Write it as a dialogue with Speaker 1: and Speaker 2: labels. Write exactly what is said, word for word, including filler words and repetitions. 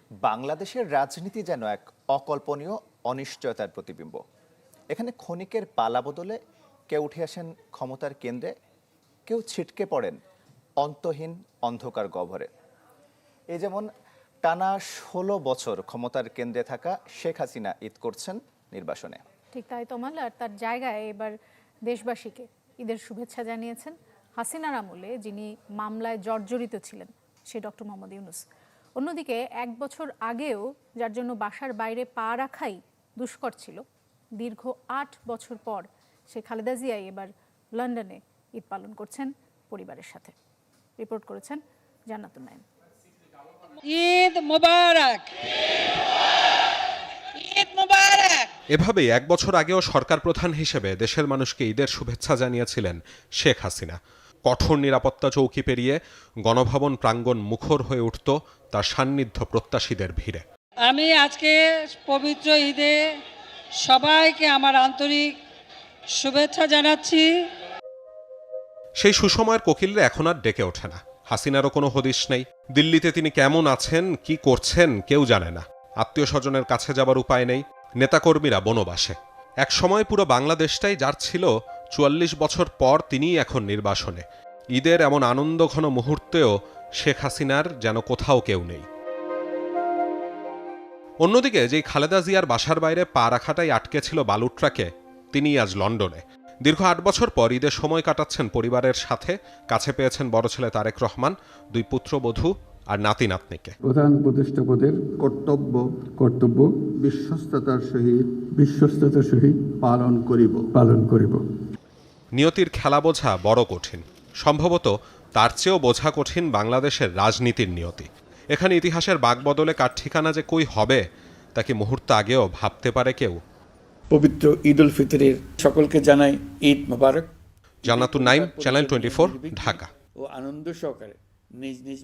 Speaker 1: বাংলাদেশের রাজনীতি যেন এক অকল্পনীয় অনিশ্চয়তার প্রতিবিম্ব। এখানে ক্ষণিকের পালা বদলে কেউ উঠে আসেন ক্ষমতার কেন্দ্রে, কেউ ছিটকে পড়েন অন্তহীন অন্ধকার গহ্বরে। এই যেমন টানা ষোলো বছর ক্ষমতার কেন্দ্রে থাকা শেখ হাসিনা ঈদ করছেন নির্বাসনে।
Speaker 2: ঠিক তাই তমাল, আর তার জায়গায় এবার দেশবাসীকে ঈদের শুভেচ্ছা জানিয়েছেন হাসিনার আমলে যিনি মামলায় জর্জরিত ছিলেন, সে ডক্টর মোহাম্মদ ইউনূস। অন্যদিকে এক বছর আগেও যার জন্য বাসার বাইরে পা রাখাই দুষ্কর ছিল, দীর্ঘ আট বছর পর সে খালেদা জিয়াই এবার লন্ডনে ঈদ পালন করছেন পরিবারের সাথে। রিপোর্ট করেছেন জান্নাতুন নাইম।
Speaker 3: ঈদ মোবারক, ঈদ মোবারক।
Speaker 4: এভাবেই এক বছর আগেও সরকার প্রধান হিসেবে দেশের মানুষকে ঈদের শুভেচ্ছা জানিয়েছিলেন শেখ হাসিনা। কঠোর নিরাপত্তা চৌকি পেরিয়ে গণভবন প্রাঙ্গণ মুখর হয়ে উঠত তার সান্নিধ্য প্রত্যাশীদের ভিড়ে।
Speaker 3: আমি আজকে পবিত্র ঈদে সবাইকে আমার আন্তরিক শুভেচ্ছা জানাচ্ছি।
Speaker 4: সেই সুসময়ের কোকিলরা এখন আর ডেকে ওঠে না। হাসিনারও কোনো হদিশ নেই। দিল্লিতে তিনি কেমন আছেন, কি করছেন কেউ জানে না। আত্মীয় স্বজনের কাছে যাবার উপায় নেই। নেতাকর্মীরা বনবাসে। এক সময় পুরো বাংলাদেশটাই যার ছিল, চুয়াল্লিশ বছর পর তিনিই এখন নির্বাসনে। ঈদের এমন আনন্দঘন মুহূর্তেও শেখ হাসিনার যেন কোথাও কেউ নেই। অন্যদিকে যেই খালেদা জিয়ার বাসার বাইরে পা রাখাটাই আটকে ছিল বালুর ট্রাকে, তিনি আজ লন্ডনে। দীর্ঘ আট বছর পর ঈদের সময় কাটাচ্ছেন পরিবারের সাথে। কাছে পেয়েছেন বড় ছেলে তারেক রহমান, দুই পুত্রবধূ আর নাতি নাতনিকে।
Speaker 5: প্রধান উপদেষ্টা পদের
Speaker 6: কর্তব্য
Speaker 5: কর্তব্য
Speaker 6: বিশ্বস্ততার সহিত
Speaker 5: বিশ্বস্ততার সহিত
Speaker 6: পালন করিব
Speaker 5: পালন করিব।
Speaker 4: নিয়তির খেলা বোঝা বড় কঠিন। সম্ভবত তার চেয়েও বোঝা কঠিন বাংলাদেশের রাজনীতির নিয়তি। এখানে ইতিহাসের বাগবদলে কার ঠিকানা যে কই হবে, তা কি মুহূর্ত আগেও ভাবতে পারে কেউ?
Speaker 7: পবিত্র ঈদ উল ফিতরের সকলকে জানাই Eid Mubarak.
Speaker 4: Jannatun Naim, channel twenty four, Dhaka.
Speaker 7: ও আনন্দ সহকারে নিজ নিজ